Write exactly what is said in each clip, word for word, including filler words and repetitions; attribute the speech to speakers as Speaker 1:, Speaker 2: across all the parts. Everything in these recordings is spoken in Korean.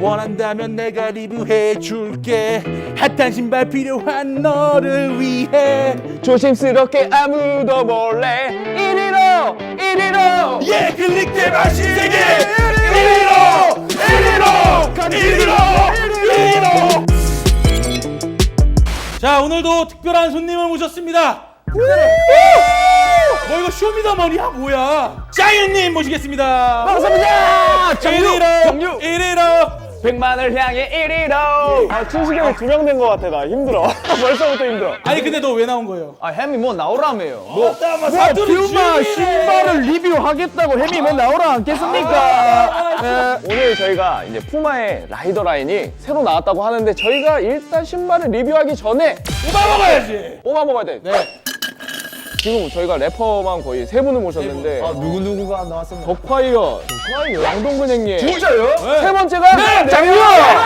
Speaker 1: 원한다면 내가 리뷰해줄게. 핫한 신발 필요한 너를 위해.
Speaker 2: 조심스럽게 아무도 몰래 이리로 이리로
Speaker 1: 예, 클릭대 맛이 세계 이리로 이리로 이리로 이리로. 자, 오늘도 특별한 손님을 모셨습니다. 뭐 이거 쇼미더머니야 뭐야? 짜이언님 모시겠습니다.
Speaker 2: 감사합니다. 정유
Speaker 1: 이리로
Speaker 2: 정유
Speaker 1: 이리로.
Speaker 2: 백만을 향해 이리로. 아 춘식이 형이 두 명 된 것 같아. 나 힘들어. 벌써부터 힘들어.
Speaker 1: 아니 근데 너 왜 나온 거예요?
Speaker 2: 아 햄이 뭐 나오라며요. 뭐
Speaker 1: 퓨마
Speaker 2: 신발을 리뷰하겠다고 햄이 뭐 나오라 않겠습니까? 네, 오늘 저희가 이제 푸마의 라이더 라인이 새로 나왔다고 하는데 저희가 일단 신발을 리뷰하기 전에
Speaker 1: 뽑아 먹어야지.
Speaker 2: 뽑아 먹어야 돼.
Speaker 1: 네.
Speaker 2: 지금 저희가 래퍼만 거의 세 분을 모셨는데
Speaker 1: 아,
Speaker 2: 누구 누구가 나왔습니다. 덕화이어, 덕화이어, 양동근 형님. 진짜요?
Speaker 1: 네.
Speaker 2: 세 번째가
Speaker 1: 네,
Speaker 2: 장유.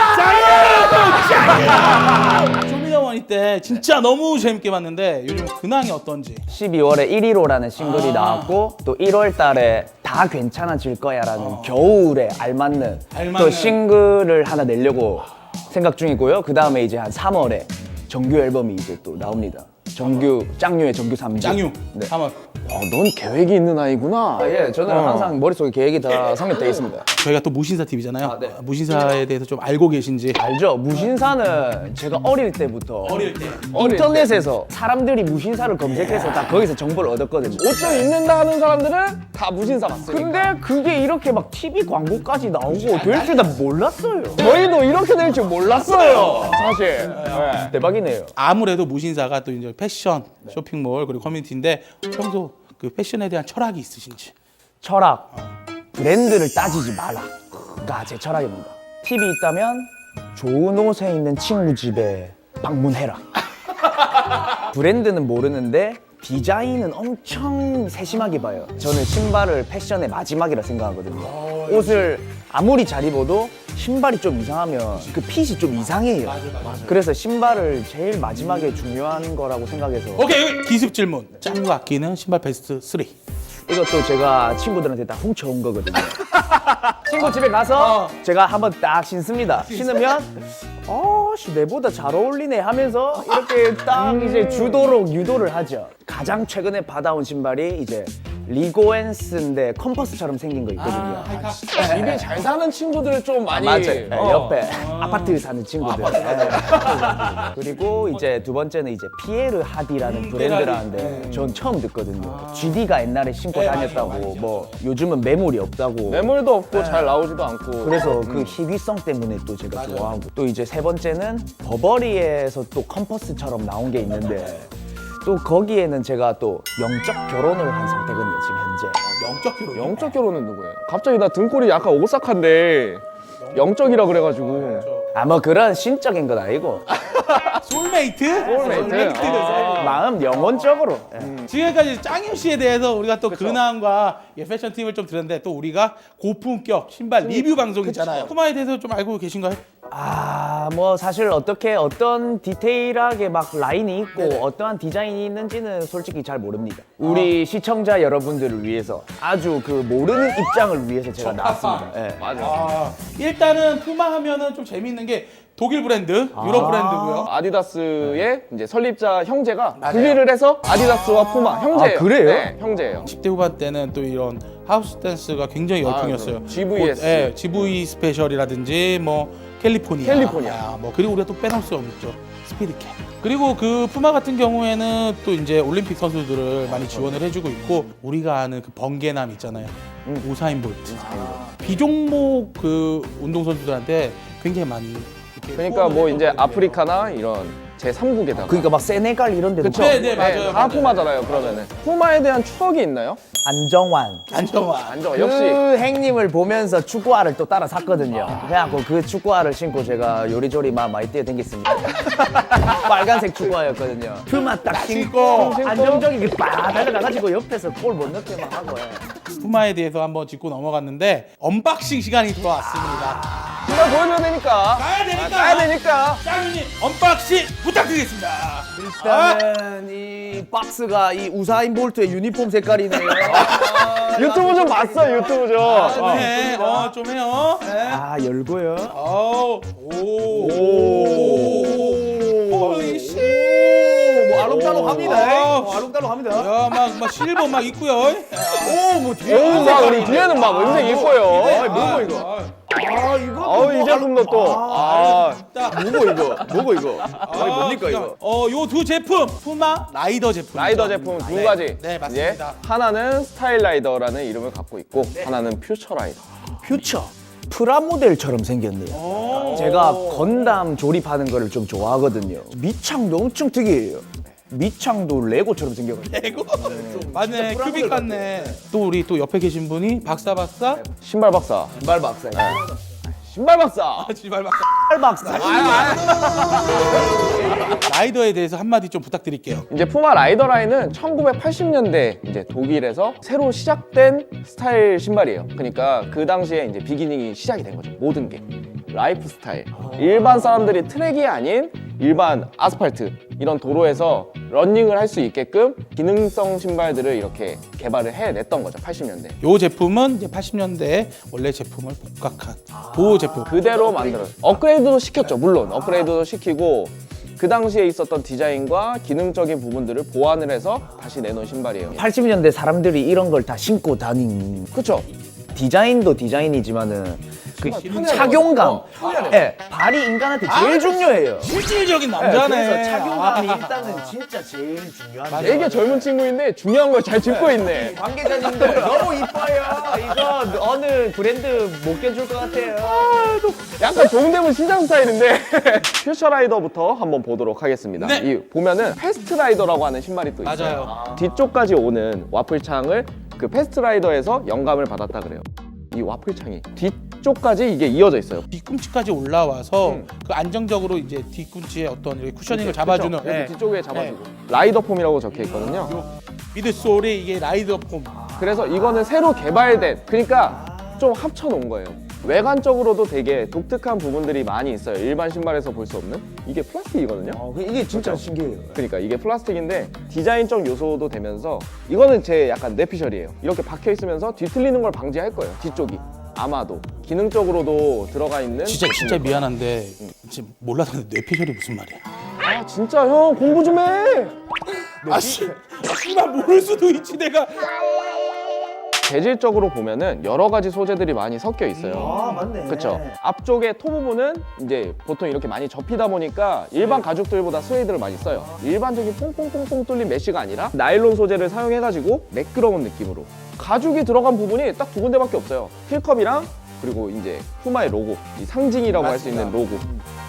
Speaker 1: 장유. 쇼미더머니 때 진짜 너무 재밌게 봤는데 요즘 근황이 어떤지.
Speaker 3: 십이월에 일일오라는 싱글이
Speaker 1: 아.
Speaker 3: 나왔고 또 일월 달에 다 괜찮아질 거야라는
Speaker 1: 어.
Speaker 3: 겨울에 알맞는,
Speaker 1: 알맞는.
Speaker 3: 또 싱글을 하나 내려고 생각 중이고요. 그 다음에 이제 한 삼월에 정규 앨범이 이제 또 나옵니다. 정규 짱유의 정규 삼 집.
Speaker 1: 장유.
Speaker 3: 네.
Speaker 1: 삼월.
Speaker 2: 어, 넌 계획이 있는 아이구나.
Speaker 3: 아, 예, 저는
Speaker 2: 어.
Speaker 3: 항상 머릿속에 계획이 다 성립되어 있습니다.
Speaker 1: 저희가 또 무신사 티비잖아요.
Speaker 3: 아, 네.
Speaker 1: 무신사에 대해서 좀 알고 계신지.
Speaker 3: 알죠? 무신사는 제가 어릴 때부터
Speaker 1: 어릴 때.
Speaker 3: 인터넷에서 사람들이 무신사를 검색해서 다 거기서 정보를 얻었거든요.
Speaker 2: 옷 좀 입는다 하는 사람들은 다 무신사 봤으니까.
Speaker 3: 근데 그게 이렇게 막 티비 광고까지 나오고 될 줄 다 몰랐어요.
Speaker 2: 저희도 이렇게 될 줄 몰랐어요. 사실. 네.
Speaker 3: 대박이네요.
Speaker 1: 아무래도 무신사가 또 이제 패션, 쇼핑몰 그리고 커뮤니티인데 평소 그 패션에 대한 철학이 있으신지.
Speaker 3: 철학, 브랜드를 따지지 마라가 제 철학입니다. 팁이 있다면 좋은 옷에 있는 친구 집에 방문해라. 브랜드는 모르는데 디자인은 엄청 세심하게 봐요. 저는 신발을 패션의 마지막이라 생각하거든요. 옷을 아무리 잘 입어도 신발이 좀 이상하면 그 핏이 좀 이상해요. 그래서 신발을 제일 마지막에 중요한 거라고 생각해서
Speaker 1: 오케이, 여기 기습 질문. 짱구 아끼는 신발 베스트 삼.
Speaker 3: 이것도 제가 친구들한테 다 훔쳐온 거거든요. 친구 집에 가서
Speaker 1: 어.
Speaker 3: 제가 한번 딱 신습니다. 신으면 어씨 내보다 잘 어울리네 하면서 이렇게 딱 이제 주도록 유도를 하죠. 가장 최근에 받아온 신발이 이제 리고엔스인데 컴퍼스처럼 생긴 거 있거든요.
Speaker 2: 집에 잘 사는 친구들 좀 많이.
Speaker 3: 맞아요. 네,
Speaker 2: 어.
Speaker 3: 옆에 아파트 사는 친구들. 네. 그리고 이제 두 번째는 이제 피에르 하디라는
Speaker 1: 음,
Speaker 3: 브랜드라는데 전 처음 듣거든요. 지디가 옛날에 신고
Speaker 1: 네,
Speaker 3: 다녔다고,
Speaker 1: 맞아요, 맞아요.
Speaker 3: 뭐 요즘은 매물이 없다고.
Speaker 2: 매물도 없고 잘 나오지도 않고.
Speaker 3: 그래서 그 희귀성 때문에 또 제가 좋아하고, 또 이제 세 번째는 버버리에서 또 컴퍼스처럼 나온 게 있는데 또 거기에는 제가 또 영적 결혼을 한 상태거든요 지금 현재.
Speaker 1: 영적 결혼.
Speaker 2: 영적 결혼은 누구예요? 갑자기 나 등골이 약간 오싹한데 영적이라 그래가지고.
Speaker 3: 아뭐 그런 신적인 건 아니고
Speaker 1: 솔메이트?
Speaker 2: 솔메이트? 아.
Speaker 3: 마음 영혼적으로.
Speaker 1: 음. 지금까지 짱유 씨에 대해서 우리가 또 근황과 예, 패션 팁을 좀 들었는데 또 우리가 고품격 신발 리뷰 방송이잖아요. 푸마에 대해서 좀 알고 계신가요?
Speaker 3: 아 뭐 사실 어떻게 어떤 디테일하게 막 라인이 있고
Speaker 1: 네네.
Speaker 3: 어떠한 디자인이 있는지는 솔직히 잘 모릅니다. 우리 시청자 여러분들을 위해서 아주 그 모르는 입장을 위해서 제가 나왔습니다. 예.
Speaker 2: 맞아.
Speaker 1: 아, 일단은 푸마 하면은 좀 재밌는 게 독일 브랜드, 유럽 브랜드고요.
Speaker 2: 아디다스의 이제 설립자 형제가
Speaker 1: 맞아요.
Speaker 2: 분리를 해서 아디다스와 푸마 형제예요.
Speaker 3: 아, 그래요?
Speaker 2: 네, 형제예요.
Speaker 1: 십 대 후반 때는 또 이런 하우스 댄스가 굉장히 열풍이었어요.
Speaker 2: 그럼. 지브이에스.
Speaker 1: 곧, 예, 지브이 스페셜이라든지 뭐 캘리포니아.
Speaker 2: 캘리포니아.
Speaker 1: 아, 뭐 그리고 우리가 또 빼놓을 수 없죠. 스피드캣. 그리고 그 푸마 같은 경우에는 또 이제 올림픽 선수들을 많이 지원을 해주고 있고 우리가 아는 그 번개남 있잖아요. 우사인 볼트. 비종목 그 운동 선수들한테 굉장히 많이 이렇게
Speaker 2: 그러니까 뭐
Speaker 1: 후원을
Speaker 2: 이제
Speaker 1: 했거든요.
Speaker 2: 아프리카나 이런 제삼국에다가.
Speaker 3: 그러니까 막 세네갈 이런 데도
Speaker 2: 그쵸?
Speaker 1: 네, 네, 맞아요,
Speaker 2: 다
Speaker 1: 맞아요.
Speaker 2: 푸마잖아요. 그러면은 푸마에 대한 추억이 있나요?
Speaker 3: 안정환
Speaker 1: 안정환.
Speaker 2: 안정
Speaker 3: 그
Speaker 2: 역시.
Speaker 3: 행님을 보면서 축구화를 또 따라 샀거든요. 그래갖고 그 축구화를 신고 제가 요리조리 막 많이 뛰어댕겼습니다. 빨간색 축구화였거든요. 퓨마 딱 신고
Speaker 1: 신고.
Speaker 3: 안정적이게 빡 달려가가지고 옆에서 골 못 넣게 막 하고. 예.
Speaker 1: 푸마에 대해서 한번 짚고 넘어갔는데 언박싱 시간이 돌아왔습니다.
Speaker 2: 신발 보여줘야 되니까.
Speaker 1: 가야 되니까.
Speaker 2: 아, 가야 되니까.
Speaker 1: 짱이님 언박싱 부탁드리겠습니다.
Speaker 3: 일단은 이 박스가 이 우사인 볼트의 유니폼 색깔이네요.
Speaker 2: 유튜브 좀 봤어, 유튜브 좀.
Speaker 1: 아, 좀
Speaker 2: 어.
Speaker 1: 해. 어, 좀 해요.
Speaker 3: 아 열고요.
Speaker 1: 어, 오.
Speaker 2: 오.
Speaker 1: 어이, 씨.
Speaker 3: 뭐 알록달록합니다.
Speaker 1: 오.
Speaker 3: 뭐 알록달록합니다.
Speaker 1: 야, 막, 막 실버 막 있고요.
Speaker 3: 오뭐 뒤에
Speaker 2: 오, 막 우리 뒤에는 막 은색 이뻐요.
Speaker 3: 아이, 뭐고 이거? 아 이거
Speaker 2: 아우, 이 제품도 또. 아,
Speaker 3: 뭐고 이거? 뭐고 이거? 아니 뭡니까 이거?
Speaker 1: 어, 요 두 제품 푸마 라이더 제품.
Speaker 2: 라이더 제품 두 가지.
Speaker 1: 네, 맞습니다.
Speaker 2: 이제 하나는 스타일 라이더라는 이름을 갖고 있고 하나는 퓨처 라이더.
Speaker 3: 퓨처 프라모델처럼 생겼네요. 제가 건담 조립하는 거를 좀 좋아하거든요. 밑창도 엄청 특이해요. 밑창도 레고처럼 생겨가지고.
Speaker 1: 레고. 맞네, 큐빅 같네. 또 우리 또 옆에 계신 분이 박사 박사.
Speaker 2: 신발 박사.
Speaker 3: 신발 박사.
Speaker 2: 신발 박사.
Speaker 1: 지발 박사.
Speaker 3: 신발 박사.
Speaker 1: 라이더에 대해서 한마디 좀 부탁드릴게요.
Speaker 2: 이제 푸마 라이더 라인은 천구백팔십 년대 이제 독일에서 새로 시작된 스타일 신발이에요. 그러니까 그 당시에 이제 비기닝이 시작이 된 거죠. 모든 게 라이프 스타일. 일반 사람들이 트랙이 아닌 일반 아스팔트 이런 도로에서 러닝을 할 수 있게끔 기능성 신발들을 이렇게 개발을 해냈던 거죠. 팔십 년대.
Speaker 1: 요 제품은 이제 팔십 년대 원래 제품을 복각한 보호 제품.
Speaker 2: 그대로 만들었어요. 업그레이드도 시켰죠. 물론 업그레이드도 시키고 그 당시에 있었던 디자인과 기능적인 부분들을 보완을 해서 다시 내놓은 신발이에요.
Speaker 3: 팔십 년대 사람들이 이런 걸 다 신고 다닌.
Speaker 2: 그렇죠.
Speaker 3: 디자인도 디자인이지만은 그
Speaker 2: 편해요.
Speaker 3: 착용감.
Speaker 2: 어, 편해요.
Speaker 3: 예, 발이 인간한테 제일 중요해요.
Speaker 1: 실질적인
Speaker 3: 네,
Speaker 1: 남자네.
Speaker 3: 그래서 착용감이
Speaker 1: 아.
Speaker 3: 일단은 진짜 제일 중요한데.
Speaker 2: 되게 젊은 친구인데 중요한 걸 잘 짚고 있네.
Speaker 3: 관계자님들 너무 이뻐요. 이거 어느 브랜드 못 껴줄 것 같아요.
Speaker 2: 약간 종대문 시장 스타일인데 퓨처 라이더부터 한번 보도록 하겠습니다.
Speaker 1: 네.
Speaker 2: 이 보면은 패스트 라이더라고 하는 신발이 또 있어요.
Speaker 1: 맞아요.
Speaker 2: 뒤쪽까지 오는 와플창을 그 패스트 라이더에서 영감을 받았다 그래요. 이 와플창이 뒤쪽까지 이게 이어져 있어요.
Speaker 1: 뒤꿈치까지 올라와서
Speaker 2: 음.
Speaker 1: 그 안정적으로 이제 뒤꿈치에 어떤 이렇게 쿠셔닝을 잡아주는.
Speaker 2: 그렇죠.
Speaker 1: 네.
Speaker 2: 뒤쪽에 잡아주고 라이더 폼이라고 적혀 있거든요.
Speaker 1: 미드솔이 이게 라이더 폼.
Speaker 2: 그래서 이거는 새로 개발된, 그러니까 좀 합쳐 놓은 거예요. 외관적으로도 되게 독특한 부분들이 많이 있어요. 일반 신발에서 볼 수 없는. 이게 플라스틱이거든요.
Speaker 3: 어, 이게 진짜 신기해요.
Speaker 2: 그러니까 이게 플라스틱인데 디자인적 요소도 되면서 이거는 제 약간 뇌피셜이에요. 이렇게 박혀 있으면서 뒤틀리는 걸 방지할 거예요. 뒤쪽이. 아마도 기능적으로도 들어가 있는.
Speaker 1: 진짜 진짜 미안한데 지금 몰랐는데 뇌피셜이 무슨 말이야?
Speaker 2: 아 진짜 형 공부 좀 해.
Speaker 1: 아씨, 씨발 모를 수도 있지 내가.
Speaker 2: 재질적으로 보면은 여러 가지 소재들이 많이 섞여 있어요.
Speaker 3: 아, 맞네.
Speaker 2: 그렇죠. 앞쪽에 토 부분은 이제 보통 이렇게 많이 접히다 보니까 일반 가죽들보다 스웨이드를 많이 써요. 일반적인 퐁퐁퐁퐁 뚫린 메쉬가 아니라 나일론 소재를 사용해가지고 매끄러운 느낌으로. 가죽이 들어간 부분이 딱 두 군데밖에 없어요. 힐컵이랑 그리고 이제 푸마의 로고, 이 상징이라고 할 수 있는 로고.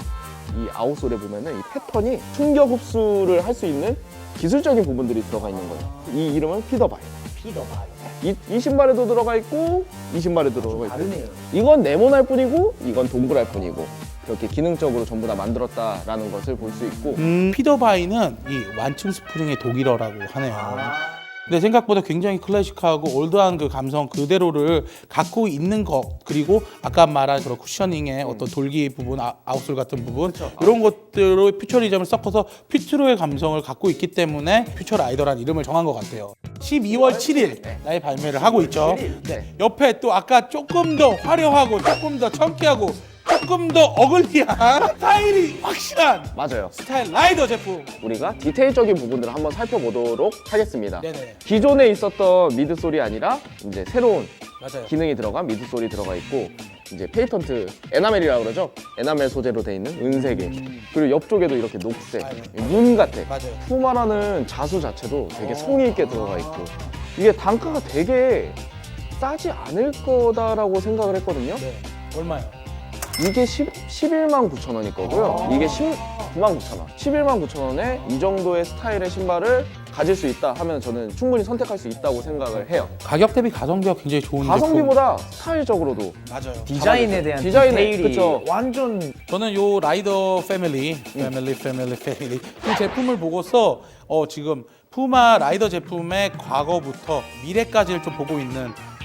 Speaker 2: 이 아웃솔에 보면은 이 패턴이 충격 흡수를 할 수 있는 기술적인 부분들이 들어가 있는 거예요. 이 이름은 피더바이.
Speaker 3: 피더바이.
Speaker 2: 이, 이 신발에도 들어가 있고 이 신발에도 들어가 있고.
Speaker 3: 다르네요.
Speaker 2: 이건 네모날 뿐이고 이건 동그랄 뿐이고 그렇게 기능적으로 전부 다 만들었다라는 것을 볼 수 있고.
Speaker 1: 음, 피더바이는 이 완충 스프링의 독일어라고 하네요. 근데 생각보다 굉장히 클래식하고 올드한 그 감성 그대로를 갖고 있는 것, 그리고 아까 말한 그런 쿠셔닝의 어떤 돌기 부분, 아, 아웃솔 같은 부분, 이런 것들로 퓨처리즘을 섞어서 퓨트로의 감성을 갖고 있기 때문에 퓨처 라이더라는 이름을 정한 것 같아요. 십이월 칠일 날 발매를 하고 있죠. 네. 옆에 또 아까 조금 더 화려하고 조금 더 청키하고 조금 더 어글리한 스타일이 확실한
Speaker 2: 맞아요.
Speaker 1: 스타일 라이더 제품.
Speaker 2: 우리가 디테일적인 부분들을 한번 살펴보도록 하겠습니다.
Speaker 1: 네네.
Speaker 2: 기존에 있었던 미드솔이 아니라 이제 새로운
Speaker 1: 맞아요.
Speaker 2: 기능이 들어간 미드솔이 들어가 있고 이제 페이턴트 에나멜이라고 그러죠. 에나멜 소재로 돼 있는 은색의 그리고 옆쪽에도 이렇게 녹색 문 같아.
Speaker 1: 맞아요.
Speaker 2: 푸마라는 자수 자체도 되게 성의 있게 들어가 있고 이게 단가가 되게 싸지 않을 거다라고 생각을 했거든요.
Speaker 1: 네. 얼마요?
Speaker 2: 이게 십일만 구천 원일 거고요. 이게 십구만 구천 원. 십일만 구천 원에 이 정도의 스타일의 신발을 가질 수 있다 하면 저는 충분히 선택할 수 있다고 생각을 해요.
Speaker 1: 가격 대비 가성비가 굉장히 좋은 제품.
Speaker 2: 가성비보다 스타일적으로도
Speaker 1: 맞아요.
Speaker 3: 디자인에 대한
Speaker 2: 디자인에,
Speaker 3: 디테일이
Speaker 2: 그쵸.
Speaker 3: 완전
Speaker 1: 저는 요 라이더 패밀리, 패밀리, 패밀리, 패밀리 이 제품을 보고서 어 지금 푸마 라이더 제품의 과거부터 미래까지를 좀 보고 있는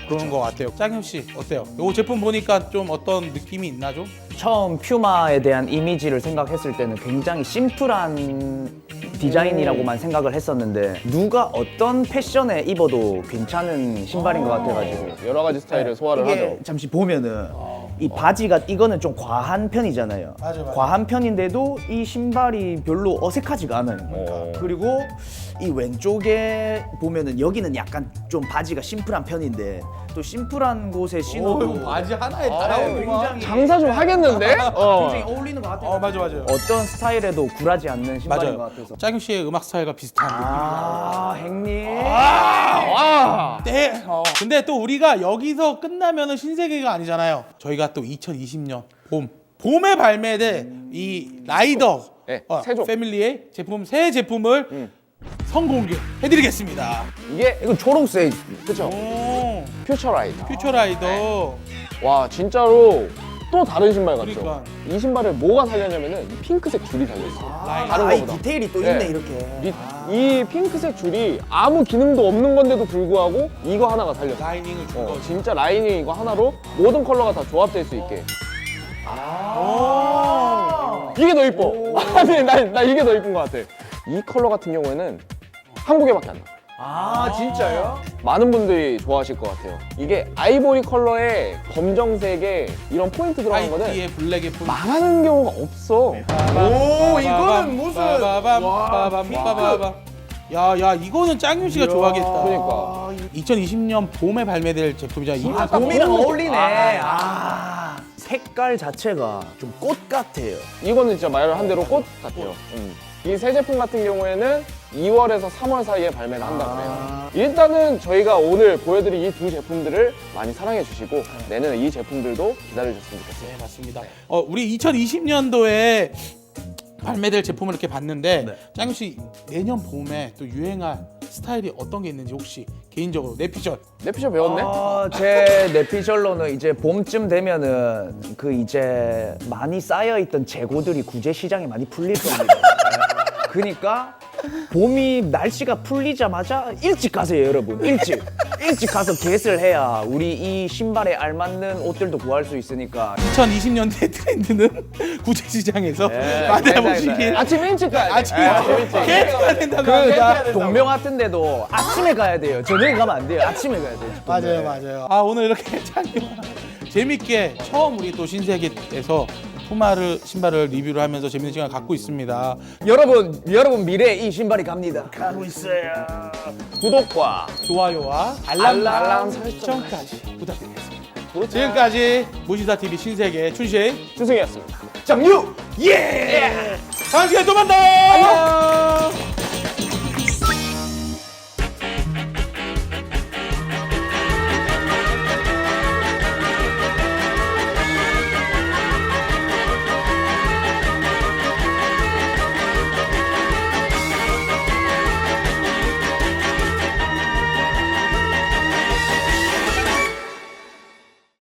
Speaker 1: 그런 것 같아요. 짱현 씨 어때요? 이 제품 보니까 좀 어떤 느낌이 있나 좀?
Speaker 3: 처음 퓨마에 대한 이미지를 생각했을 때는 굉장히 심플한 디자인이라고만 생각을 했었는데 누가 어떤 패션에 입어도 괜찮은 신발인 것 같아가지고
Speaker 2: 여러 가지 스타일을 소화를
Speaker 3: 이게
Speaker 2: 하죠.
Speaker 3: 잠시 보면은 이 바지가 이거는 좀 과한 편이잖아요.
Speaker 1: 맞아, 맞아.
Speaker 3: 과한 편인데도 이 신발이 별로 어색하지가 않아요.
Speaker 2: 어.
Speaker 3: 그리고 이 왼쪽에 보면은 여기는 약간 좀 바지가 심플한 편인데 또 심플한 곳에 신어도
Speaker 1: 바지 하나에
Speaker 3: 아,
Speaker 1: 다 나오는구만.
Speaker 3: 굉장히
Speaker 2: 장사 좀 하겠는데? 어.
Speaker 3: 굉장히 어울리는 것 같아요.
Speaker 1: 어 맞아 맞아요.
Speaker 3: 어떤 스타일에도 굴하지 않는 신발인 것
Speaker 1: 맞아요.
Speaker 3: 같아서.
Speaker 1: 짱현 씨의 음악 스타일과 비슷한 느낌.
Speaker 3: 아, 행님.
Speaker 2: 와.
Speaker 1: 네. 어. 근데 또 우리가 여기서 끝나면은 신세계가 아니잖아요. 저희가 또 이천이십 년 봄 봄에 발매된 이 라이더
Speaker 2: 네,
Speaker 1: 어,
Speaker 2: 세종.
Speaker 1: 패밀리의 제품 새 제품을
Speaker 2: 음.
Speaker 1: 선공개해드리겠습니다.
Speaker 2: 이게
Speaker 3: 이건 초록색.
Speaker 2: 그쵸?
Speaker 1: 오,
Speaker 2: 퓨처라이더.
Speaker 1: 퓨처라이더.
Speaker 2: 와 진짜로 또 다른 신발 같죠?
Speaker 1: 그러니까.
Speaker 2: 이 신발을 뭐가 살렸냐면은 이 핑크색 줄이 달려있어요.
Speaker 1: 라인.
Speaker 2: 다른
Speaker 3: 아, 이
Speaker 2: 거보다.
Speaker 3: 디테일이 또
Speaker 2: 네.
Speaker 3: 있네, 이렇게.
Speaker 2: 이, 이 핑크색 줄이 아무 기능도 없는 건데도 불구하고 이거 하나가 달렸어.
Speaker 1: 라이닝을 준
Speaker 2: 어,
Speaker 1: 거지.
Speaker 2: 진짜 라이닝 이거 하나로 모든 컬러가 다 조합될 수 있게.
Speaker 1: 오.
Speaker 2: 이게 더 이뻐. 아니 나, 나 이게 더 이쁜 것 같아. 이 컬러 같은 경우에는 한국에밖에 안 나.
Speaker 3: 아, 진짜요?
Speaker 2: 많은 분들이 좋아하실 것 같아요. 이게 아이보리 컬러에 검정색에 이런 포인트 들어간 거는
Speaker 1: 화이트에 블랙에 폰.
Speaker 2: 망하는 경우가 없어.
Speaker 3: 오, 이거는 무슨-
Speaker 1: 빠바밤
Speaker 3: 와,
Speaker 1: 빠밤 빠바밤. 야, 야, 이거는 짱윤 씨가 좋아하겠다.
Speaker 2: 그러니까.
Speaker 1: 이천이십 년 봄에 발매될 제품이잖아. 이
Speaker 3: 아,
Speaker 1: 아까
Speaker 3: 봄이랑
Speaker 1: 봄-
Speaker 3: 어울리네.
Speaker 1: 아.
Speaker 3: 아, 색깔 자체가 좀 꽃 같아요.
Speaker 2: 이거는 진짜 말을 한 대로 꽃 같아요. 음. 이 새 제품 같은 경우에는 이월에서 삼월 사이에 발매를 한다고 해요. 일단은 저희가 오늘 보여드린 이 두 제품들을 많이 사랑해 주시고 내년에 이 제품들도 기다려 주셨으면 좋겠어요.
Speaker 1: 네, 맞습니다. 어, 우리 이천이십 년도에 발매될 제품을 이렇게 봤는데
Speaker 3: 네.
Speaker 1: 짱윤 씨 내년 봄에 또 유행할 스타일이 어떤 게 있는지 혹시 개인적으로 내 피셜.
Speaker 2: 내 피셜 배웠네?
Speaker 3: 어, 제 내피셜로는 이제 봄쯤 되면은 그 이제 많이 쌓여있던 재고들이 구제 시장에 많이 풀릴 겁니다. 그러니까 봄이 날씨가 풀리자마자 일찍 가세요, 여러분. 일찍. 일찍 가서 겟을 해야 우리 이 신발에 알맞는 옷들도 구할 수 있으니까.
Speaker 1: 이천이십 년대 트렌드는 구제 시장에서
Speaker 3: 네,
Speaker 1: 만나보시길.
Speaker 2: 아침 일찍 가야 돼.
Speaker 1: 아침
Speaker 2: 아침 일찍.
Speaker 1: 개해야 된다고.
Speaker 3: 그
Speaker 1: 하는데.
Speaker 3: 다 동명 같은 데도 아침에 가야 돼요. 저녁에 가면 안 돼요. 아침에 가야 돼요.
Speaker 1: 맞아요, 맞아요. 아 오늘 이렇게 짱윤 재밌게 처음 우리 또 신세계에서 푸마를 신발을 리뷰를 하면서 재밌는 시간 갖고 있습니다.
Speaker 3: 여러분, 여러분 미래에 이 신발이 갑니다. 가고 있어요.
Speaker 2: 구독과
Speaker 1: 좋아요와 알람,
Speaker 2: 알람
Speaker 1: 설정까지 부탁드리겠습니다. 지금까지 무시사 티비 신세계 춘식
Speaker 2: 주승이었습니다.
Speaker 3: 정유!
Speaker 1: 예! 다음 시간에 또 만나. 안녕.